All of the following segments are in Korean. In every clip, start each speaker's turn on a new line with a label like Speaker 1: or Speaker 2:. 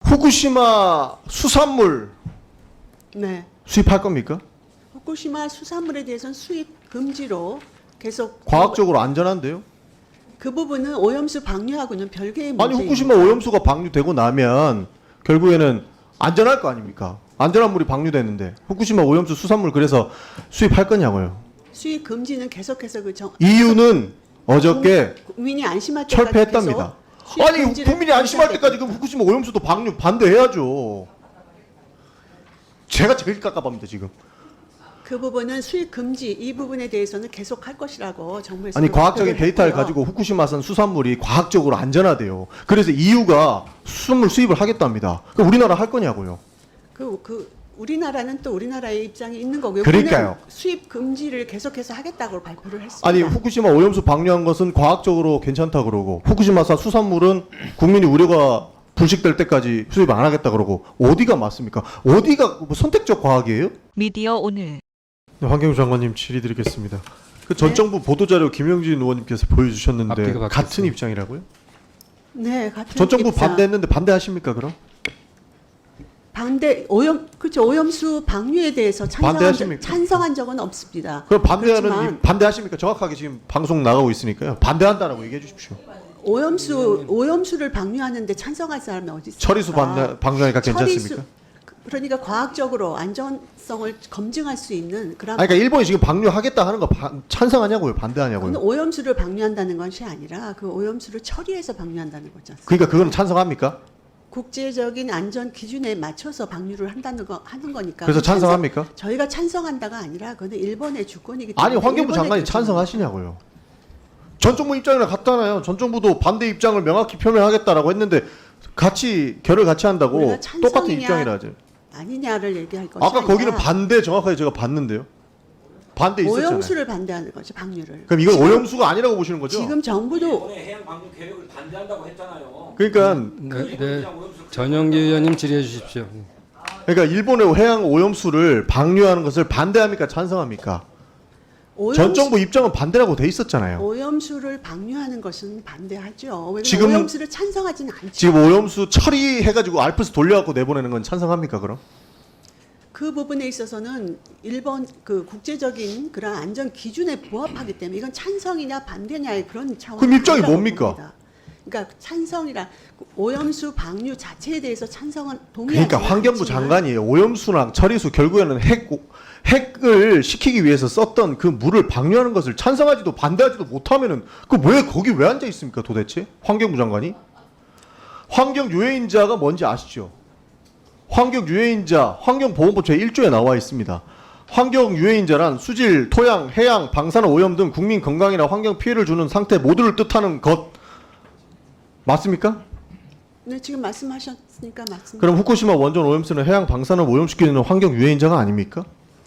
Speaker 1: 후쿠시마 수산물
Speaker 2: 네.
Speaker 1: 수입할 겁니까?
Speaker 2: 후쿠시마 수산물에 대해서는 수입 금지로 계속
Speaker 1: 과학적으로 안전한데요?
Speaker 2: 그 부분은 오염수 방류하고는 별개의
Speaker 1: 아니
Speaker 2: 문제입니다.
Speaker 1: 후쿠시마 오염수가 방류되고 나면 결국에는 안전할 거 아닙니까? 안전한 물이 방류되는데 후쿠시마 오염수 수산물 그래서 수입할 거냐고요.
Speaker 2: 수입 금지는 계속해서
Speaker 1: 이유는 어저께
Speaker 2: 국민이 안심할 때까지
Speaker 1: 철폐했답니다.
Speaker 2: 계속 수입
Speaker 1: 아니
Speaker 2: 금지를
Speaker 1: 국민이 안심할
Speaker 2: 유지하게
Speaker 1: 때까지 그럼 후쿠시마 오염수도 방류 반대해야죠. 제가 제일 깝깝합니다 지금.
Speaker 2: 그 부분은 수입 금지 이 부분에 대해서는 계속 할 것이라고 정부에서
Speaker 1: 아니 과학적인
Speaker 2: 발표를
Speaker 1: 데이터를
Speaker 2: 했고요.
Speaker 1: 가지고 후쿠시마산 수산물이 과학적으로 안전하대요. 그래서 EU가 수산물 수입을 하겠답니다. 그럼 우리나라 할 거냐고요.
Speaker 2: 그 우리나라는 또 우리나라의 입장이 있는 거고요.
Speaker 1: 그러니까요.
Speaker 2: 우리는 수입 금지를 계속해서 하겠다고 발표를 했습니다.
Speaker 1: 아니 후쿠시마 오염수 방류한 것은 과학적으로 괜찮다 그러고 후쿠시마산 수산물은 국민이 우려가 불식될 때까지 수입 안 하겠다 그러고 어디가 맞습니까? 어디가 뭐 선택적 과학이에요?
Speaker 3: 미디어 오늘
Speaker 1: 네, 환경부 장관님 질의드리겠습니다. 그 전 정부 보도자료 김영진 의원님께서 보여주셨는데
Speaker 4: 앞뒤가
Speaker 1: 같은
Speaker 4: 바뀌었어요.
Speaker 1: 입장이라고요?
Speaker 2: 네, 같은
Speaker 1: 전 정부
Speaker 2: 입장.
Speaker 1: 반대했는데 반대하십니까 그럼?
Speaker 2: 오염수 방류에 대해서
Speaker 1: 반대하십니까?
Speaker 2: 찬성한 적은 없습니다.
Speaker 1: 그럼 반대하는
Speaker 2: 그렇지만
Speaker 1: 반대하십니까? 정확하게 지금 방송 나가고 있으니까요. 반대한다라고 얘기해 주십시오.
Speaker 2: 오염수를 방류하는데 찬성할 사람이 어디 있습니까?
Speaker 1: 처리수 방류하니까 괜찮습니까?
Speaker 2: 그러니까 과학적으로 안전성을 검증할 수 있는 그런
Speaker 1: 아니, 그러니까 일본이 지금 방류하겠다 하는 거 찬성하냐고요? 반대하냐고요?
Speaker 2: 그건 오염수를 방류한다는 것이 아니라 그 오염수를 처리해서 방류한다는 거죠.
Speaker 1: 그러니까 그거는 찬성합니까?
Speaker 2: 국제적인 안전 기준에 맞춰서 방류를 하는 거니까.
Speaker 1: 그래서 찬성합니까?
Speaker 2: 저희가 찬성한다가 아니라 그건 일본의 주권이기 때문에.
Speaker 1: 아니 환경부
Speaker 2: 일본의
Speaker 1: 장관이
Speaker 2: 결정입니다.
Speaker 1: 찬성하시냐고요? 전 정부 입장이랑 같잖아요. 전 정부도 반대 입장을 명확히 표명하겠다라고 했는데 같이 결을 같이 한다고
Speaker 2: 우리가 찬성이냐,
Speaker 1: 똑같은 입장이라 하죠.
Speaker 2: 아니냐를 얘기할 것이
Speaker 1: 아까
Speaker 2: 아니라
Speaker 1: 거기는 반대 정확하게 제가 봤는데요. 반대 있었잖아요.
Speaker 2: 오염수를 반대하는 거죠, 방류를.
Speaker 1: 그럼 이건
Speaker 2: 지금-
Speaker 1: 오염수가 아니라고 보시는 거죠?
Speaker 2: 지금 정부도
Speaker 5: 이번에 해양 방류 계획을 반대한다고 했잖아요.
Speaker 1: 그러니까
Speaker 4: 네, 전영기 의원님 질의해 주십시오.
Speaker 1: 그러니까 일본의 해양 오염수를 방류하는 것을 반대합니까? 찬성합니까? 전 정부 입장은 반대라고 돼 있었잖아요.
Speaker 2: 오염수를 방류하는 것은 반대하죠. 왜냐면
Speaker 1: 지금-
Speaker 2: 오염수를 찬성하지는 않죠.
Speaker 1: 지금 오염수 처리해가지고 알프스 돌려갖고 내보내는 건 찬성합니까? 그럼?
Speaker 2: 그 부분에 있어서는 일본 그 국제적인 그런 안전 기준에 부합하기 때문에 이건 찬성이냐 반대냐의 그런 차원.
Speaker 1: 그럼 입장이 뭡니까?
Speaker 2: 그러니까 찬성이라 오염수 방류 자체에 대해서 찬성은 동의하지
Speaker 1: 그러니까 환경부
Speaker 2: 않지만
Speaker 1: 장관이 오염수랑 처리수 결국에는 핵을 시키기 위해서 썼던 그 물을 방류하는 것을 찬성하지도 반대하지도 못하면은 그 왜 거기 왜 앉아 있습니까 도대체 환경부 장관이? 환경 유해인자가 뭔지 아시죠? 환경 유해인자 환경보건법 제1조에 나와 있습니다. 환경 유해인자란 수질, 토양, 해양, 방사능 오염 등 국민 건강이나 환경 피해를 주는 상태 모두를 뜻하는 것 맞습니까?
Speaker 2: 네, 지금 말씀하셨으니까 맞습니다.
Speaker 1: 그럼 후쿠시마 원전 오염수는 해양 방사능 오염시키는 환경 유해인자가 아닙니까?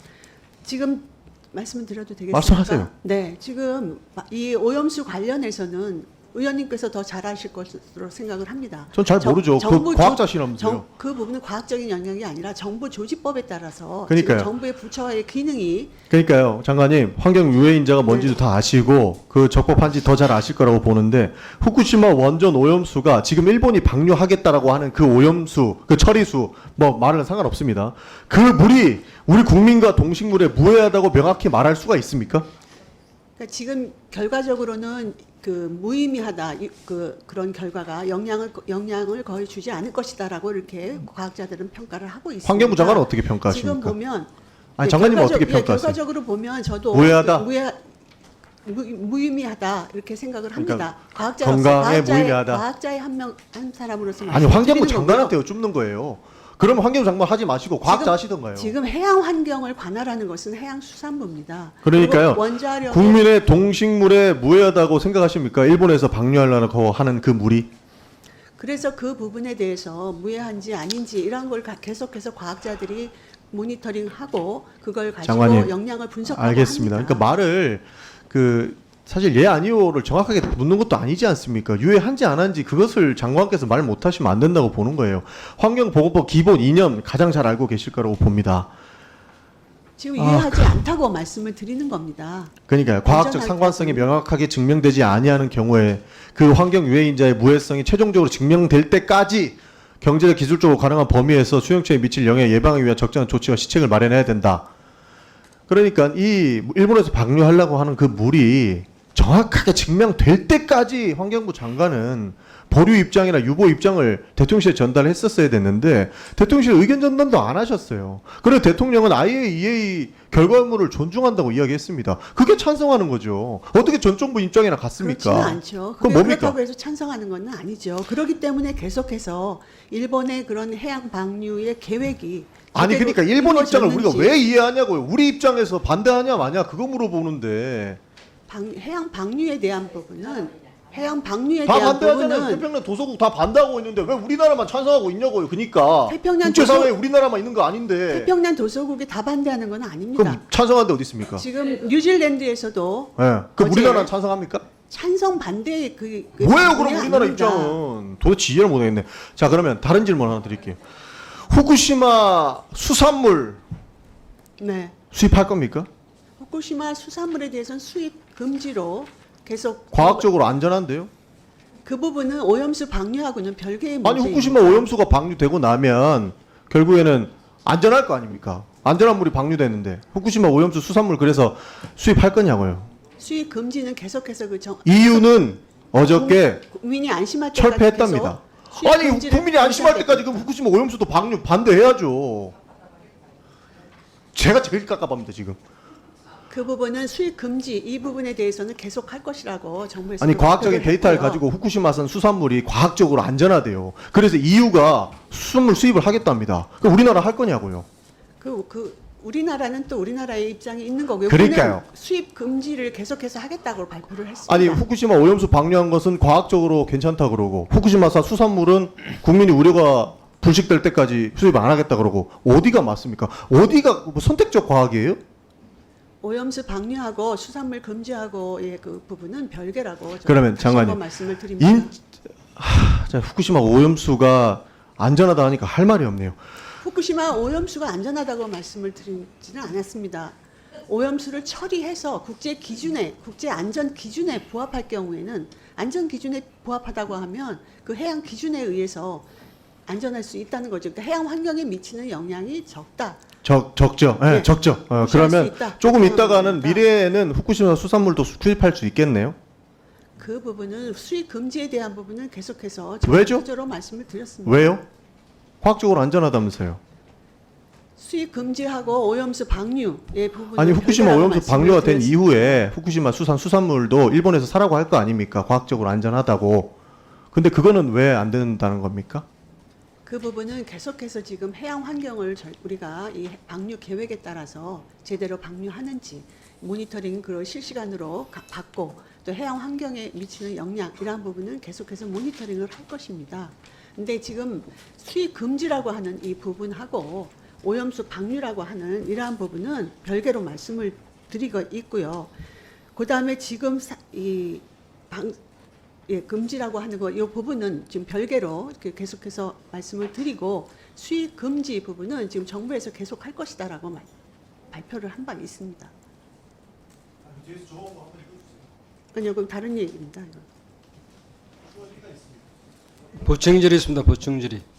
Speaker 2: 지금 말씀을 드려도 되겠습니까?
Speaker 1: 말씀하세요.
Speaker 2: 네, 지금 이 오염수 관련해서는 의원님께서 더 잘 아실 것으로 생각을 합니다.
Speaker 1: 전 잘 모르죠. 그 과학자시라면서요.
Speaker 2: 그 부분은 과학적인 영역이 아니라 정부 조직법에 따라서
Speaker 1: 그러니까요.
Speaker 2: 지금 정부의 부처의 기능이
Speaker 1: 그러니까요, 장관님 환경 유해인자가 뭔지도 다 아시고 그 적법한지 더 잘 아실 거라고 보는데 후쿠시마 원전 오염수가 지금 일본이 방류하겠다라고 하는 그 오염수, 그 처리수 뭐 말은 상관없습니다. 그 물이 우리 국민과 동식물에 무해하다고 명확히 말할 수가 있습니까?
Speaker 2: 그러니까 지금 결과적으로는 그 무의미하다 그런 결과가 영향을 거의 주지 않을 것이다라고 이렇게 과학자들은 평가를 하고 있습니다.
Speaker 1: 환경부 장관은 어떻게 평가하십니까?
Speaker 2: 지금 보면
Speaker 1: 아니 장관님은 어떻게 평가하세요?
Speaker 2: 결과적으로 보면 저도
Speaker 1: 무해하다?
Speaker 2: 무의미하다 이렇게 생각을 합니다.
Speaker 1: 그러니까
Speaker 2: 과학자로서
Speaker 1: 건강에 무의미하다.
Speaker 2: 과학자의 한 사람으로서
Speaker 1: 아니 환경부
Speaker 2: 말씀드리는
Speaker 1: 장관한테
Speaker 2: 거고요.
Speaker 1: 여쭙는 거예요. 그러면 환경부 장관 하지 마시고 과학자 하시던가요.
Speaker 2: 지금 해양 환경을 관할하는 것은 해양수산부입니다.
Speaker 1: 그러니까요.
Speaker 2: 그리고 원자력
Speaker 1: 국민의 동식물에 무해하다고 생각하십니까? 일본에서 방류하려고 하는 그 물이?
Speaker 2: 그래서 그 부분에 대해서 무해한지 아닌지 이런 걸 계속해서 과학자들이 모니터링하고 그걸 가지고
Speaker 1: 장관님,
Speaker 2: 영향을 분석하고
Speaker 1: 알겠습니다.
Speaker 2: 합니다.
Speaker 1: 그러니까 말을 사실 예 아니오를 정확하게 묻는 것도 아니지 않습니까? 유해한지 안 한지 그것을 장관께서 말 못하시면 안 된다고 보는 거예요. 환경보건법 기본 이념 가장 잘 알고 계실 거라고 봅니다.
Speaker 2: 지금 유해하지 않다고 말씀을 드리는 겁니다.
Speaker 1: 그러니까요. 과학적
Speaker 2: 안전할
Speaker 1: 상관성이
Speaker 2: 때는.
Speaker 1: 명확하게 증명되지 아니하는 경우에 그 환경 유해인자의 무해성이 최종적으로 증명될 때까지 경제적 기술적으로 가능한 범위에서 수용체에 미칠 영향을 예방하기 위한 적절한 조치와 시책을 마련해야 된다. 그러니까 이 일본에서 방류하려고 하는 그 물이 정확하게 증명될 때까지 환경부 장관은 보류 입장이나 유보 입장을 대통령실에 전달했었어야 됐는데 대통령실 의견 전달도 안 하셨어요. 그래서 대통령은 IAEA 결과물을 존중한다고 이야기했습니다. 그게 찬성하는 거죠. 어떻게 전 정부 입장이나 같습니까?
Speaker 2: 그렇지는 않죠.
Speaker 1: 그건
Speaker 2: 그게
Speaker 1: 뭡니까?
Speaker 2: 그렇다고 해서 찬성하는 건 아니죠. 그렇기 때문에 계속해서 일본의 그런 해양 방류의 계획이
Speaker 1: 아니
Speaker 2: 제대로
Speaker 1: 그러니까 일본 입장을 우리가
Speaker 2: 이루어졌는지
Speaker 1: 왜 이해하냐고요. 우리 입장에서 반대하냐 마냐 그거 물어보는데
Speaker 2: 해양 방류에 대한 부분은 해양 방류에
Speaker 1: 다
Speaker 2: 대한
Speaker 1: 반대하잖아요.
Speaker 2: 부분은
Speaker 1: 태평양 도서국 다 반대하고 있는데 왜 우리나라만 찬성하고 있냐고요. 그러니까
Speaker 2: 태평양
Speaker 1: 국제사회에 우리나라만 있는 거 아닌데
Speaker 2: 태평양 도서국이 다 반대하는 건 아닙니다.
Speaker 1: 그럼 찬성하는 데 어디 있습니까?
Speaker 2: 지금 뉴질랜드에서도
Speaker 1: 예. 그
Speaker 2: 어제
Speaker 1: 우리나라는 찬성합니까?
Speaker 2: 찬성 반대의 그
Speaker 1: 뭐예요 그럼
Speaker 2: 부분이
Speaker 1: 우리나라
Speaker 2: 아닙니다.
Speaker 1: 입장은 도대체 이해를 못하겠네. 자 그러면 다른 질문 하나 드릴게요. 후쿠시마 수산물
Speaker 2: 네.
Speaker 1: 수입할 겁니까?
Speaker 2: 후쿠시마 수산물에 대해서는 수입 금지로 계속
Speaker 1: 과학적으로 안전한데요?
Speaker 2: 그 부분은 오염수 방류하고는 별개의
Speaker 1: 아니
Speaker 2: 문제입니다.
Speaker 1: 후쿠시마 오염수가 방류되고 나면 결국에는 안전할 거 아닙니까? 안전한 물이 방류되는데 후쿠시마 오염수 수산물 그래서 수입할 거냐고요.
Speaker 2: 수입 금지는 계속해서
Speaker 1: 이유는 어저께
Speaker 2: 국민이 안심할 때까지
Speaker 1: 철폐했답니다.
Speaker 2: 계속 수입
Speaker 1: 아니
Speaker 2: 금지를
Speaker 1: 국민이 안심할 때까지 그럼 후쿠시마 오염수도 방류 반대해야죠. 제가 제일 깝깝합니다 지금.
Speaker 2: 그 부분은 수입 금지 이 부분에 대해서는 계속 할 것이라고 정부에서
Speaker 1: 아니 과학적인 데이터를 가지고 후쿠시마산 수산물이 과학적으로 안전하대요. 그래서 EU가 수산물 수입을 하겠답니다. 그럼 우리나라 할 거냐고요.
Speaker 2: 그 우리나라는 또 우리나라의 입장이 있는 거고요.
Speaker 1: 그러니까요.
Speaker 2: 우리는 수입 금지를 계속해서 하겠다고 발표를 했습니다.
Speaker 1: 아니 후쿠시마 오염수 방류한 것은 과학적으로 괜찮다 그러고 후쿠시마산 수산물은 국민이 우려가 불식될 때까지 수입 안 하겠다 그러고 어디가 맞습니까? 어디가 뭐 선택적 과학이에요?
Speaker 2: 오염수 방류하고 수산물 금지하고의 그 부분은 별개라고
Speaker 1: 그러면
Speaker 2: 다시 한번
Speaker 1: 장관님,
Speaker 2: 말씀을 드립니다.
Speaker 1: 자, 후쿠시마 오염수가 안전하다 하니까 할 말이 없네요.
Speaker 2: 후쿠시마 오염수가 안전하다고 말씀을 드리지는 않았습니다. 오염수를 처리해서 국제 기준에 국제 안전 기준에 부합할 경우에는 안전 기준에 부합하다고 하면 그 해양 기준에 의해서 안전할 수 있다는 거죠. 그러니까 해양 환경에 미치는 영향이 적다.
Speaker 1: 적죠. 예,
Speaker 2: 네.
Speaker 1: 적죠.
Speaker 2: 무시할 수
Speaker 1: 그러면
Speaker 2: 있다.
Speaker 1: 조금
Speaker 2: 그렇게
Speaker 1: 있다가는
Speaker 2: 합니다.
Speaker 1: 미래에는 후쿠시마 수산물도 수입할 수 있겠네요.
Speaker 2: 그 부분은 수입 금지에 대한 부분은 계속해서
Speaker 1: 왜죠?
Speaker 2: 적극적으로 말씀을 드렸습니다.
Speaker 1: 왜요? 과학적으로 안전하다면서요.
Speaker 2: 수입 금지하고 오염수 방류의 부분
Speaker 1: 아니 후쿠시마 오염수 방류가 된 이후에 후쿠시마 수산물도 일본에서 사라고 할 거 아닙니까? 과학적으로 안전하다고. 근데 그거는 왜 안 된다는 겁니까?
Speaker 2: 그 부분은 계속해서 지금 해양 환경을 우리가 이 방류 계획에 따라서 제대로 방류하는지 모니터링 그걸 실시간으로 받고 또 해양 환경에 미치는 영향 이러한 부분은 계속해서 모니터링을 할 것입니다. 근데 지금 수입 금지라고 하는 이 부분하고 오염수 방류라고 하는 이러한 부분은 별개로 말씀을 드리고 있고요. 그다음에 지금 금지라고 하는 거, 이 부분은 지금 별개로 이렇게 계속해서 말씀을 드리고 수입 금지 부분은 지금 정부에서 계속 할 것이다라고 발표를 한 바 있습니다. 아니요, 그럼 다른 얘기입니다. 이건.
Speaker 4: 보충 질의 있습니다. 보충 질의.